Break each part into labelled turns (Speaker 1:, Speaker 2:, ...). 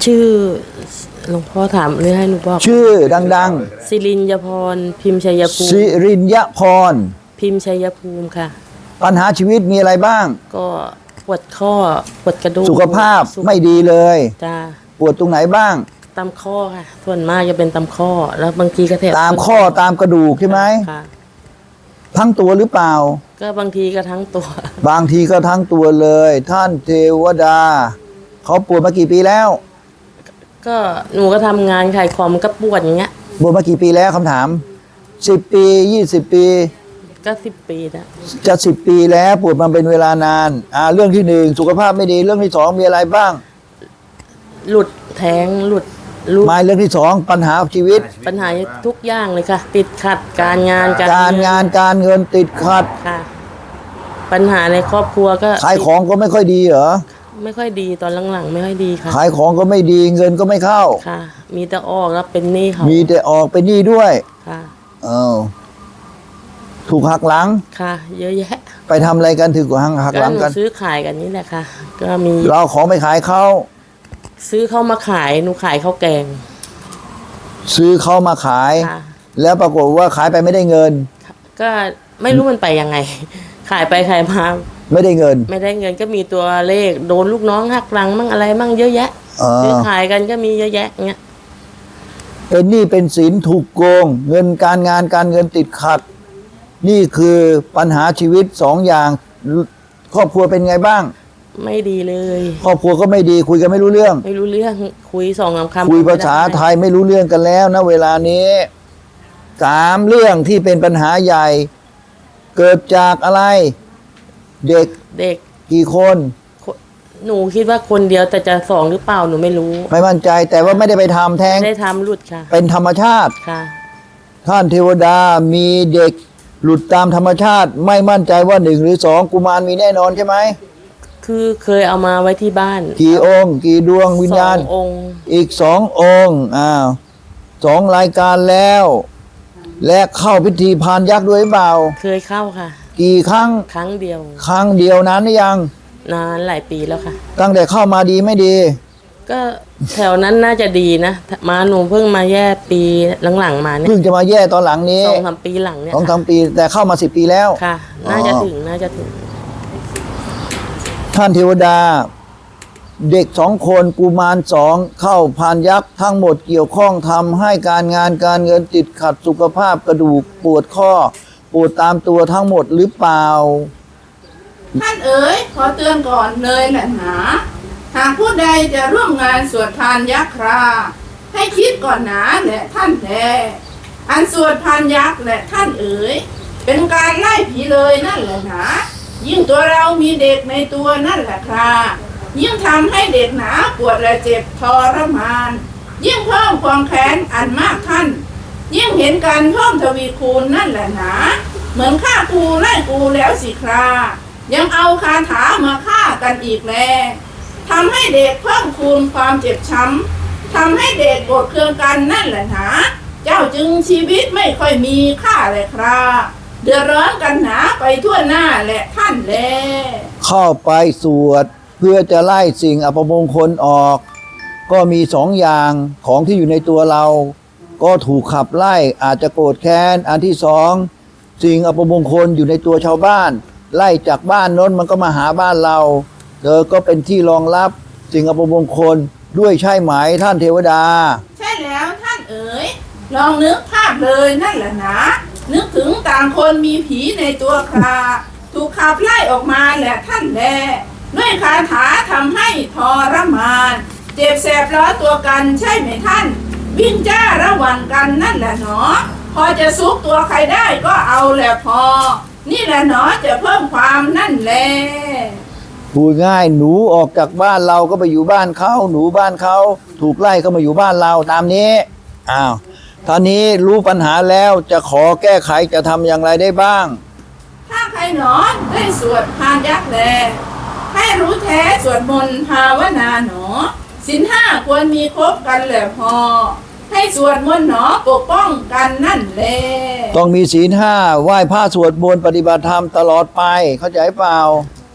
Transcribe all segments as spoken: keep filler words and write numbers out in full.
Speaker 1: ชื่อหลวงพ่อถามหรือให้หนูบอก
Speaker 2: ชื่อดัง
Speaker 1: ๆสิรินยพรพิมพ์ชัยภูมิ
Speaker 2: สิรินยพร
Speaker 1: พิมพ์ชัยภูมิค่ะ
Speaker 2: ปัญหาชีวิตมีอะไรบ้าง
Speaker 1: ก็ปวดข้อปวดกระดูก
Speaker 2: สุขภาพไม่ดีเลย
Speaker 1: จ้า
Speaker 2: ปวดตรงไหนบ้าง
Speaker 1: ตามข้อค่ะส่วนมากจะเป็นตามข้อแล้วบางทีก็แถบ
Speaker 2: ตามข้อตามกระดูกใช่ไหม
Speaker 1: ค่ะ
Speaker 2: ทั้งตัวหรือเปล่า
Speaker 1: ก็บางทีก็ทั้งตัว
Speaker 2: บางทีก็ทั้งตัวเลยท่านเทวดาเขาปวดมากี่ปีแล้ว
Speaker 1: ก็หนูก็ทำงานขายของมันก็ปวดอย่างเงี้ย
Speaker 2: ปวดมากี่ปีแล้วคำถามสิบปียี่สิบปี
Speaker 1: ก็สิบปีนะ
Speaker 2: จะสิบปีแล้วปวดมาเป็นเวลานานอ่าเรื่องที่หนึ่งสุขภาพไม่ดีเรื่องที่สองมีอะไรบ้าง
Speaker 1: หลุดแท้งหลุด
Speaker 2: ลูกไม่เรื่องที่สองปัญหาชีวิต
Speaker 1: ปัญหาทุกอย่างเลยค่ะติดขัดการงาน
Speaker 2: การงานการเงินติดขัด
Speaker 1: ค่ะปัญหาในครอบครัวก็
Speaker 2: ขายของก็ไม่ค่อยดีเหรอ
Speaker 1: ไม่ค่อยดีตอนหลังๆไม่ค่อยดีค่ะ
Speaker 2: ขายของก็ไม่ดีเงินก็ไม่เข้า
Speaker 1: ค่ะมีแต่ออกแล้วเป็นหนี้เขา
Speaker 2: มีแต่ออกเป็นหนี้ด้วย
Speaker 1: ค่ะ
Speaker 2: เออถูกหักหลัง
Speaker 1: ค่ะเยอะแยะ
Speaker 2: ไปทำอะไรกันถึงหักหักหลังกัน
Speaker 1: ซื้อขายกันนี่แหละค่ะก็มี
Speaker 2: เราของไปขายเขา
Speaker 1: ซื้อเข้ามาขายหนูขายข้าวแกง
Speaker 2: ซื้อเข้ามาขายแล้วปรากฏว่าขายไปไม่ได้เงิน
Speaker 1: ก็ไม่รู้มันไปยังไงขายไปขายมา
Speaker 2: ไม่ได้เงิน
Speaker 1: ไม่ได้เงินก็มีตัวเลขโดนลูกน้องหักหลังมั่งอะไรมั่งเยอะแยะซื้อขายกันก็มีเยอะแยะเงี้ย
Speaker 2: เป็นหนี้เป็นสินถูกโกงเงินการงานการเงินติดขัดนี่คือปัญหาชีวิตสองอย่างครอบครัวเป็นไงบ้าง
Speaker 1: ไม่ดีเลย
Speaker 2: ครอบครัวก็ไม่ดีคุยกันไม่รู้เรื่อง
Speaker 1: ไม่รู้เรื่องคุยสองคำ
Speaker 2: คุยภาษาไทยไม่รู้เรื่องกันแล้วนะเวลานี้สามเรื่องที่เป็นปัญหาใหญ่เกิดจากอะไรเด็ก
Speaker 1: เด็ก
Speaker 2: กี่คน
Speaker 1: หนูคิดว่าคนเดียวแต่จะสองหรือเปล่าหนูไม่รู้
Speaker 2: ไม่มั่นใจแต่ว่าไม่ได้ไปทำแท้ง
Speaker 1: ไม่ได้ทำหลุดค่ะ
Speaker 2: เป็นธรรมชาติ
Speaker 1: ค่ะ
Speaker 2: ท่านเทวดามีเด็กหลุดตามธรรมชาติไม่มั่นใจว่าหนึ่งหรือสองกุมารมีแน่นอนใช่ไหม
Speaker 1: คือเคยเอามาไว้ที่บ้าน
Speaker 2: กี่องค์กี่ดวงวิญญาณ
Speaker 1: สององค์
Speaker 2: อีกสององค์อ้าวสองรายการแล้วและเข้าพิธีพานยักษ์ด้วยเปล่า
Speaker 1: เคยเข้าค่ะ
Speaker 2: กี่ครั้ง
Speaker 1: ครั้งเดียว
Speaker 2: ครั้งเดียวนานหรือยัง
Speaker 1: นานหลายปีแล้วค่ะ
Speaker 2: ตั้งแต่เข้ามาดีไม่ดี
Speaker 1: ก็แถวนั้นน่าจะดีนะมาหนูเพิ่งมาแย่ปีหลังๆมาเนี่ย
Speaker 2: เพิ่งจะมาแย่ตอนหลังนี้
Speaker 1: สองสามปีหลังเนี่ย
Speaker 2: สองสามปีแต่เข้ามาสิบปีแล้ว
Speaker 1: ค่ะน่าจะถึงน่าจะถึง
Speaker 2: ท่านเทวดาเด็กสองคนกุมารสองเข้าพานยักษ์ทั้งหมดเกี่ยวข้องทำให้การงานการเงินติดขัดสุขภาพกระดูกปวดข้อปวดตามตัวทั้งหมดหรือเปล่า
Speaker 3: ท่านเอ๋ยขอเตือนก่อนเลยแหละหนาหากผู้ใดจะร่วมงานสวดพานยักษ์คราให้คิดก่อนหนาแหละท่านแท้อันสวดพานยักษ์แหละท่านเอ๋ยเป็นการไล่ผีเลยนั่นแหละหนายิ่งตัวเรามีเด็กในตัวนั่นแหละครายิ่งทำให้เด็กหนาปวดและเจ็บทรมานยิ่งเพิ่มความแค้นอันมากท่านยิ่งเห็นการเพิ่มทวีคูณนั่นแหละหนาเหมือนฆ่ากูไล่กูแล้วสิครายังเอาคาถามาฆ่ากันอีกแล้วทำให้เด็กเพิ่มคูณความเจ็บช้ำทำให้เด็กโกรธเคืองกันนั่นแหละหนาเจ้าจึงชีวิตไม่ค่อยมีค่าเลยคราเดือดร้อนกันหนาไปทั่วหน้าแหละท่านแล
Speaker 2: เข้าไปสวดเพื่อจะไล่สิ่งอัปมงคลออกก็มีสองอย่างของที่อยู่ในตัวเราก็ถูกขับไล่อาจจะโกรธแค้นอันที่สองสิ่งอัปมงคลอยู่ในตัวชาวบ้านไล่จากบ้านโน้นมันก็มาหาบ้านเราเธอก็เป็นที่รองรับสิ่งอัปมงคลด้วยใช่ไหมท่านเทวดา
Speaker 3: ใช่แล้วท่านเอ๋ยลองนึกภาพเลยนั่นแหละนะนึกถึงต่างคนมีผีในตัวคราถูกขับไล่ออกมาแหละท่านแลด้วยคาถาทำให้ทรมานเจ็บแสบร้อนตัวกันใช่ไหมท่านวิ่งจ้าระหว่างกันนั่นแหละหนอพอจะซุกตัวใครได้ก็เอาแหละพอนี่แหละหนอจะเพิ่มความนั่นแหละ
Speaker 2: พูดง่ายหนูออกจากบ้านเราก็ไปอยู่บ้านเขาหนูบ้านเขาถูกไล่ก็มาอยู่บ้านเราตามนี้อ้าวตอนนี้รู้ปัญหาแล้วจะขอแก้ไขจะทำอย่างไรได้บ้าง
Speaker 3: ถ้าใครหนอได้สวดพานยักษ์แลให้รู้แท้สวดมนต์ภาวนาหนอศีลห้าควรมีครบกันแหละพอให้สวดมนต์หนอปกป้องกันนั่นแหละ
Speaker 2: ต้องมีศีลห้าไหว้พระสวดมนต์ปฏิบัติธรรมตลอดไปเข้าใจเปล่า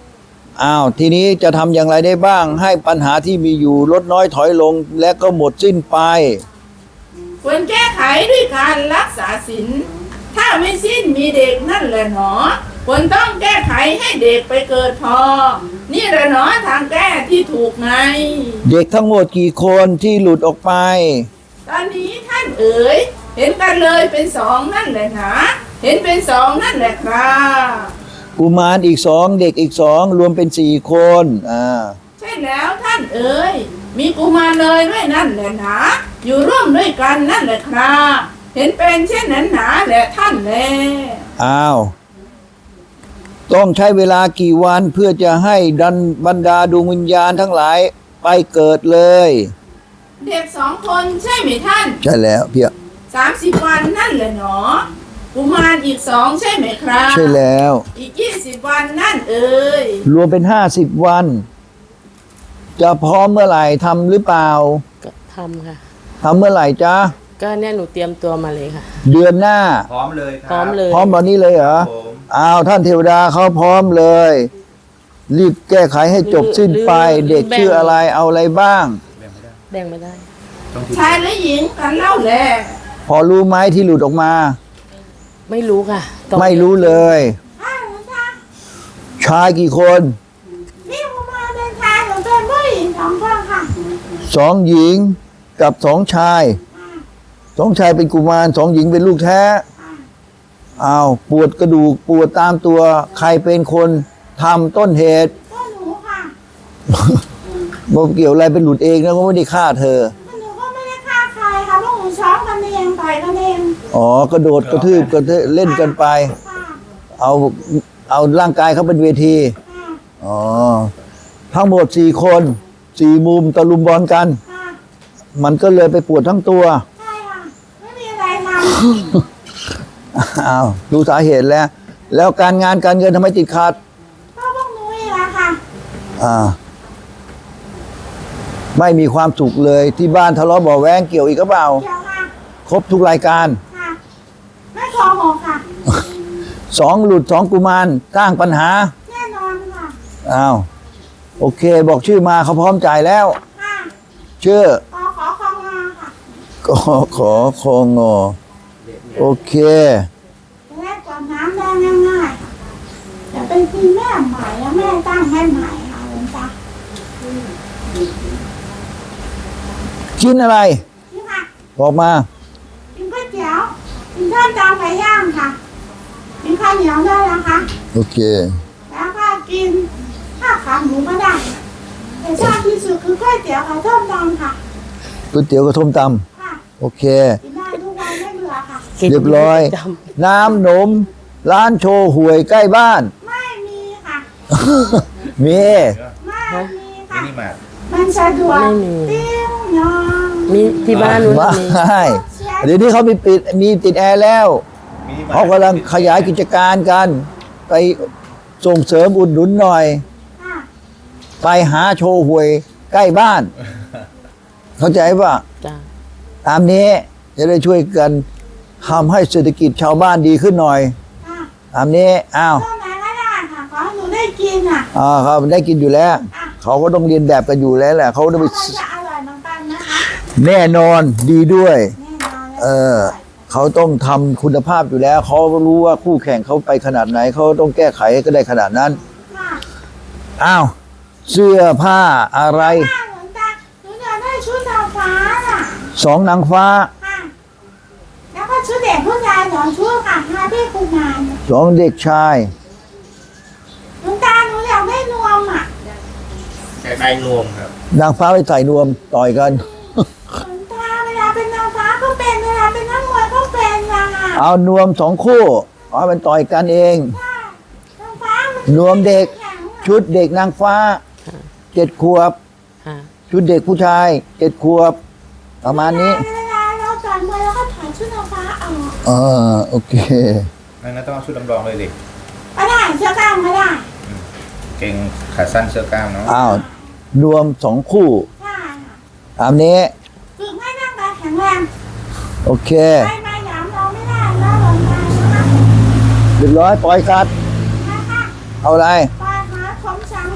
Speaker 2: อ้าวทีนี้จะทำอย่างไรได้บ้าง ให้ปัญหาที่มีอยู่ลดน้อยถอยลงและก็หมดสิ้นไป
Speaker 3: ควรแก้ไขด้วยการรักษาศีลถ้าไม่สิ้นมีเด็กนั่นแหละหนอควรต้องแก้ไขให้เด็กไปเกิดพอนี่แหละหนอทางแก้ที่ถูกไง
Speaker 2: เด็กทั้งหมดกี่คนที่หลุดออกไป
Speaker 3: ตอนนี้ท่านเอ๋ยเห็นกันเลยเป็นสองนั่นแหละนะเห็นเป็นสองนั่นแหละครับ
Speaker 2: กุมารอีกสองเด็กอีกสองรวมเป็นสี่คนอ่า
Speaker 3: ใช่แล้วท่านเอ๋ยมีกุมารเลยด้วยนั่นแหละนะอยู่ร่วมด้วยกันนั่นแหละครับเห็นเป็นเช่นนั้นหนาแหละท่านแล
Speaker 2: อ้าวต้องใช้เวลากี่วันเพื่อจะให้ดันบรรดาดวงวิญญาณทั้งหลายไปเกิดเลย
Speaker 3: เด็กสองคนใช่ไหมท่าน
Speaker 2: ใช่แล้วเพีย
Speaker 3: สามสิบวันนั่นแหละหนอกุมารอีกสองใช่ไหมครับ
Speaker 2: ใช่แล้ว
Speaker 3: อีกยี่สิบวันนั่นเอ๋ย
Speaker 2: รวมเป็นห้าสิบวัน จะพร้อมเมื่อไหร่ทำหรือเปล่า
Speaker 1: ก็ทำค่ะ
Speaker 2: ทำเมื่อไหร่จ๊ะ
Speaker 1: ก็เนี่ยหนูเตรียมตัวมาเลยค่ะ
Speaker 2: เดือนหน้า
Speaker 4: พร้อมเลยค
Speaker 1: พร้
Speaker 4: รั
Speaker 1: อบ มเลย
Speaker 2: พร้อมวันนี้เลยเหรอ
Speaker 4: ผม
Speaker 2: อ้าวท่านเทวดาเขาพร้อมเลย รีบแก้ไขให้จบสิ้นไป เด็กชื่ออะไรเอาอะไรบ้าง
Speaker 4: แบ่งไม่ได้
Speaker 1: แบ่งไม่ได้
Speaker 4: ต้องที
Speaker 3: ชายและหญิงกันเล่าแหละ
Speaker 2: พอรู้ไหมที่หลุดออกมา
Speaker 1: ไม่รู้ค่ะต้อง
Speaker 2: ไม่รู้เลย
Speaker 3: อ้าวจ้า
Speaker 2: ชายกี่คน
Speaker 3: นี่กุมารเป็นชายหรือเป็นผู้หญิงสองคนค่ะ
Speaker 2: สองหญิงกับสองชายสองชายเป็นกุมารสองหญิงเป็นลูกแท้อ้าวปวดกระดูกปวดตามตัว ใครเป็นคนทำต้นเหตุ
Speaker 3: ก็หนูค่ะ
Speaker 2: บ่เกี่ยวอะไรเป็นหลุดเองนะก็ไม่ได้ฆ่าเธอ
Speaker 3: ก็หนูก็ไม่ได้ฆ่าใครค่ะพวกหนูช้อมกันเองต่อยกันเอง
Speaker 2: อ๋อกระโดดกระทืบกระเทเล่นกันไป
Speaker 3: ค่ะ
Speaker 2: เอาเอาร่างกายเขาเป็นเวที
Speaker 3: ค่ะ
Speaker 2: อ๋อทั้งหมดสี่คนสี่มุมตะลุมบอลกัน
Speaker 3: ค่ะ
Speaker 2: มันก็เลยไปปวดทั้งตัว
Speaker 3: ใช่ค่ะไม่มีอะไรท
Speaker 2: อ้าวดูสาเหตุแล้ว แล้วการงานการเงินทำไมติดขัด
Speaker 3: ำก็พวกหนูเองอะค่ะ
Speaker 2: อ่า ไม่มีความสุขเลยที่บ้านทะเลาะเบ่อแว้งเกี่ยวอีกหรือเปล่า
Speaker 3: เกี่ยวค่ะ
Speaker 2: ครบทุกรายการ
Speaker 3: ค่ะ ไม่โกหกค่ะ
Speaker 2: สองหลุดสองกุมารสร้างปัญหา
Speaker 3: แน่นอนค่ะ
Speaker 2: อ้าวโอเค บอกชื่อมาเขาพร้อมจ่ายแล้ว
Speaker 3: ค่ะ
Speaker 2: ชื่อ
Speaker 3: ขอขอคองมาค่ะ
Speaker 2: ก็ขอคองอโอเค
Speaker 3: จะได้กวาดน้ำได้ง่ายๆค่ะจะเป็นทีแม่ใหม่แล้วแม่ตั้งให้ใหม่ค่ะหลวงตา
Speaker 2: ชิ้นอะไร
Speaker 3: นี่ค่ะ
Speaker 2: บอกมา
Speaker 3: กินก๋วยเตี๋ยวกินข้าวจานไก่ย่างค่ะกินข้าวเหนียวได้แล้วค่ะ
Speaker 2: โอเค
Speaker 3: แล้วก็กินข้าวขาหมูก็ได้แต่ชอบที่สุดคือก๋วยเตี๋ยวกับส้มตำค่ะ
Speaker 2: ก๋วยเตี๋ยวกระทมต
Speaker 3: ค่ะ
Speaker 2: ำโอเค
Speaker 3: กินได้ทุกวันไม่เบื่อค่ะ
Speaker 1: กิน
Speaker 2: เรียบร้อย
Speaker 1: จ
Speaker 2: น้ำหนม ร้านโชว์หวยใกล้บ้าน
Speaker 3: ไม่มีค่ะ
Speaker 2: มี
Speaker 3: ไม่มี
Speaker 4: มิ
Speaker 3: ค่ะ
Speaker 4: นิมาร์ท
Speaker 3: มันสะดวก
Speaker 1: ไม่มี
Speaker 3: ติ้งนอง
Speaker 1: ำมีที่บ้านหนู
Speaker 2: ไม่
Speaker 1: มี
Speaker 2: เดี๋ยวนี้เขามีปิดมีติดแอร์แล้ว
Speaker 4: มินิมาร์ท
Speaker 2: เขากำลังขยายกิจการกัน ไปส่งเสริมอุดหนุนหน่อย
Speaker 3: ค่ะ
Speaker 2: ไปหาโชว์หวยใกล้บ้าน เข้าใจป่ะ
Speaker 1: จ้า
Speaker 2: ตามนี้จะได้ช่วยกันทำให้เศรษฐกิจชาวบ้านดีขึ้นหน่อย
Speaker 3: ค่ะ
Speaker 2: ตามนี้อ้าว
Speaker 3: ต้นไหนก็ได้ค่ะขอให้หนูได้กินอ่ะ
Speaker 2: อ่าครับได้กินอยู่แล้ว
Speaker 3: อ่ะ
Speaker 2: เขาก็ต้องเรียนแบบกันอยู่แล้วแหละเขาต้องไป
Speaker 3: มันจะอร่อยเหมือนกันนะคะ
Speaker 2: แน่นอนดีด้วย
Speaker 3: แน่นอน
Speaker 2: เออเขาต้องทำคุณภาพอยู่แล้ว เขารู้ว่าคู่แข่งเขาไปขนาดไหน เขาต้องแก้ไขก็ได้ขนาดนั้น
Speaker 3: ค่ะ
Speaker 2: อ้าวเสื้อผ้าอะไร
Speaker 3: ป้าหลวงตาหนูอยากได้ชุดดาวฟ้าน่ะ
Speaker 2: สองนางฟ้า
Speaker 3: ค่ะ แล้วก็ชุดเด็กผู้ชายสองชุดค่ะมาพี่กุมาร
Speaker 2: สองเด็กชาย
Speaker 3: หลวงตาหนูอยากได้นวมอ่ะ
Speaker 4: ใช้ใบนวมครับ
Speaker 2: นางฟ้าไปใส่นวมต่อยกัน
Speaker 3: หลวงตาเวลาเป็นนางฟ้าก็เป็นเวลาเป็นนักมวยก็เป็นนะค่ะ
Speaker 2: เอานวมสองคู่เอาเป็นต่อยกันเอง
Speaker 3: ค่ะนางฟ้ามัน
Speaker 2: นวมเด็ก
Speaker 3: แข็งอะ
Speaker 2: ชุดเด็กนางฟ้าเจ็ดขวบ
Speaker 1: ค่ะ
Speaker 2: ชุดเด็กผู้ชายเจ็ดขวบ ประมาณนี้
Speaker 3: เวลาเราต่อยมวยเราก็ถอดชุดนางฟ้าออก
Speaker 2: เออโอเค
Speaker 4: นั่นนะต้องเอาชุดลำลองเลยดิ
Speaker 3: ก็ได้เสื้อกล้ามก็ได้
Speaker 4: เก่งขาสั้นเสื้อกล้ามเนาะ
Speaker 2: อ้าวนวมสองคู่
Speaker 3: ใช่ค่ะ
Speaker 2: ตามนี้
Speaker 3: ฝึกให้ร่างกายแข็งแรง
Speaker 2: โอเค
Speaker 3: ไม่มาหยามเราไม่ได้แล้วหลวงตานะคะ
Speaker 2: เรียบร้อยปล่อยสัตว์
Speaker 3: นะคะ
Speaker 2: เอาอะไร
Speaker 3: ปล่อยหาผมสังโล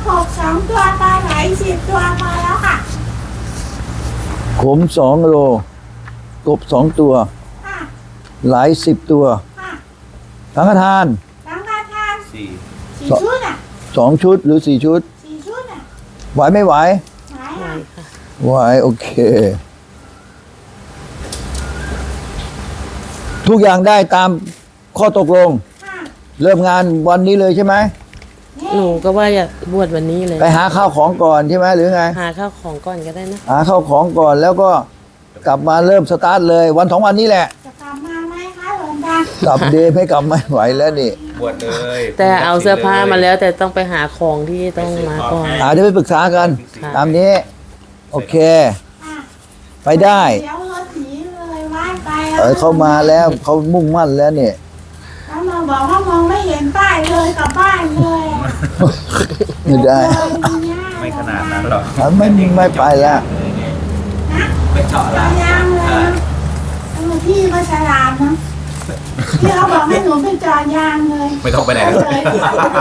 Speaker 3: กบสองตัวปลาไหลสิบตัวพอแล้วค่ะ
Speaker 2: ขมสองโลกบสองตัว
Speaker 3: ค่ะ
Speaker 2: หลายสิบตัว
Speaker 3: ค่ะ
Speaker 2: สังฆทาน
Speaker 3: สังฆทาน
Speaker 4: สี่
Speaker 3: สี่ชุดอ่ะ
Speaker 2: สองชุดหรือสี่ชุด
Speaker 3: สี่ชุดอ่ะ
Speaker 2: ไหวไม่ไหว
Speaker 3: ไหน
Speaker 1: ไหว
Speaker 3: อ่ะ
Speaker 1: ค่ะ
Speaker 2: ไหวโอเค ทุกอย่างได้ตามข้อตกลง
Speaker 3: ค่ะ
Speaker 2: เริ่มงานวันนี้เลยใช่ไหม
Speaker 1: หนูก็ว่าอยากบวชวันนี้เลย
Speaker 2: ไปหาข้าวของก่อนใช่ไหมหรือไง
Speaker 1: หาข้าวของก่อนก็ได้นะ
Speaker 2: หาข้าวของก่อนแล้วก็กลับมาเริ่มสตาร์ทเลย วันสองวันนี้แหละ
Speaker 3: จะกลับมาไหมคะหลวงตาก
Speaker 2: ลับเดย์ไม่กลับไม่ไหวแล้วนี่
Speaker 4: บวชเลย
Speaker 1: แต่เอาเสื้อผ้ามาแล้วแต่ต้องไปหาของที่ต้องมาก่อน
Speaker 2: อาจจะไปปรึกษากัน
Speaker 1: ค่ะ
Speaker 2: ตามนี้ โอเค
Speaker 3: ค่ะ
Speaker 2: ไปได้
Speaker 3: เดี๋ยวรถหนีเลยว่ายไป
Speaker 2: เออเขามาแล้วเขามุ่งมั่นแล้วเนี่ย
Speaker 3: แล้วมาบอกว่ามองไม่เห็นป้ายเลยกลับบ้านเลย
Speaker 2: ไม่ได้
Speaker 4: ไม่ขนาดนั้นหรอก
Speaker 2: อ่ะไม่ไม่ไปแล้ว
Speaker 4: ไม่เจาะ
Speaker 3: จ
Speaker 4: ละ
Speaker 3: อดยางเลยนะเออพี่ก็ฉลาดนะพี่เขาบอกให้หนูไปจอดยางเลย
Speaker 4: ไม่ต้องไปไหน
Speaker 3: เล
Speaker 4: เลย
Speaker 3: ย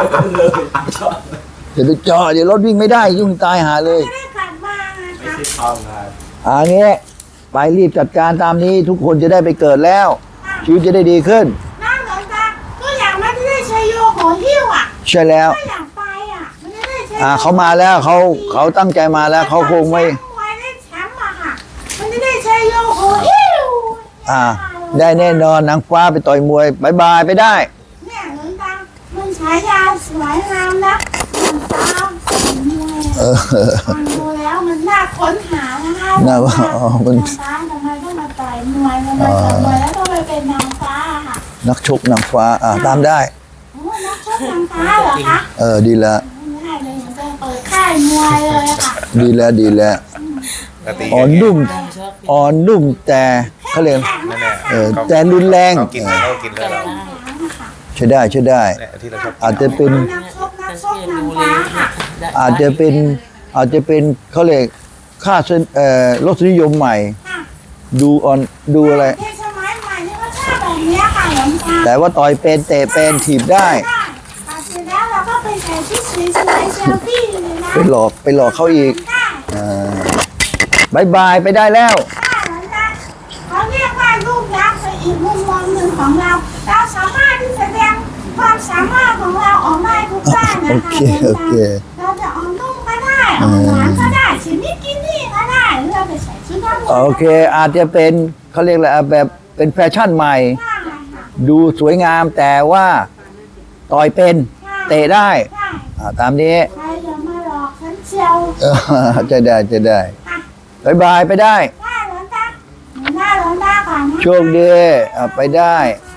Speaker 2: เดี๋ยวไปจอดเดี๋ยวรถวิ่งไม่ได้ยุ่งตายหาเลย
Speaker 3: ไม่ได้กลับมาไง
Speaker 4: ไม่
Speaker 3: คะ
Speaker 4: ใช่ทองครับ
Speaker 2: อ่างี้ไปรีบจัดการตามนี้ทุกคนจะได้ไปเกิดแล้ว ชีวิตจะได้ดีขึ้น
Speaker 3: นั่งหลวงตาก็อยากไม่ได้ใช้โยโหหิ้วอ่ะ
Speaker 2: ใช่แล้ว
Speaker 3: ก็อยากไปอ่ะไม่ได้ใช้
Speaker 2: อ่าเขามาแล้วเขาเขาตั้งใจมาแล้วเขาคงไม่
Speaker 3: แชมป์มวยได้แชมป์อะค่ะมันจะได้ใช้โยโหหิ้ว
Speaker 2: อ่า ได้แน่นอนนางฟ้าไปต่อยมวยบายบายไปได้
Speaker 3: เนี่ยหลวงตามันฉายาสวยงามนะหลวงตาสวยมวย
Speaker 2: เออ
Speaker 3: ฟังดูแล้วมันน่าค้นหานะคะ
Speaker 2: น่าว่าอ๋อมัน
Speaker 3: นางฟ้าทำไมต้องมาต่อยมวยทำไมต่อยมวยแล้วต้องไปเป็นนางฟ้าอะค่ะ
Speaker 2: นักชกนางฟ้า อ่าตามได้
Speaker 3: โอ้นักชกนางฟ้าเหรอคะ
Speaker 2: เออดีแล้ว
Speaker 3: ไม่ได้เลยมันจะเปิดค่ายมวยเลยอะค่ะ
Speaker 2: ดีแล้วดีแล้ว
Speaker 4: ปกติ
Speaker 2: อ่อนนุ่มอ่อนนุ่มแต่เขาเรียก
Speaker 4: นั่นแหละ
Speaker 2: เออแต่รุนแรง
Speaker 4: เขากินเลยเขากินเลยเหรอ
Speaker 2: ใช่ได้ใช่ได้
Speaker 4: เนี่ยที่เราชอบกิน
Speaker 2: อาจจะเป็น
Speaker 3: นักชกนักชกนางฟ้าค่ะ
Speaker 2: อาจจะเป็นอาจจะเป็นเขาเรียกค่าเส้นเอ่อรสนิยมใหม่
Speaker 3: ค่ะ
Speaker 2: ดูอ่อนดูอะไร
Speaker 3: เทศสมัยใหม่นี่ก็ชอบแบบเนี้ยค่ะหลวงตา
Speaker 2: แต่ว่าต่อยเป็นเตะเป็นถีบได้
Speaker 3: ได้ตัดเสร็จแล้วเราก็ไปใส่ชุดสวยๆเซลฟี่เลยนะ
Speaker 2: ไปหลอกไปหลอกเขาอีก
Speaker 3: ได้
Speaker 2: อ่าบายบายไปได้แล้ว
Speaker 3: ได้หลวงตาเขาเรียกว่าลูกยักษ์เป็นอีกมุมมองหนึ่งของเรา เราสามารถที่จะแสดงความสามารถของเราออกได้ทุกด้านนะ
Speaker 2: โอ
Speaker 3: คะ
Speaker 2: เค
Speaker 3: หลวง
Speaker 2: โอ
Speaker 3: ตา
Speaker 2: เค
Speaker 3: เราจะออกนุ่มก็ได้ออกหวานก็ได้ชิมิกินี่ก็ได้หรือเราไปใส่ชุดนักมวย
Speaker 2: โอเค อาจจะเป็นเขาเรียกอะไรอ่ะแบบเป็นแฟชั่นใหม่
Speaker 3: ก็ได้ค่ะ
Speaker 2: ดูสวยงามแต่ว่าต่อยเป็นเตะได้
Speaker 3: ได้
Speaker 2: อ่าตามนี้
Speaker 3: ใครจะมาหลอกฉันเชียว
Speaker 2: เออจะได้จะได้
Speaker 3: ค่ะ
Speaker 2: บายบายไปได้
Speaker 3: ได้หลวงตาหน้าหลวงตาก่อนนะ
Speaker 2: โชคดีอ่ะไปได้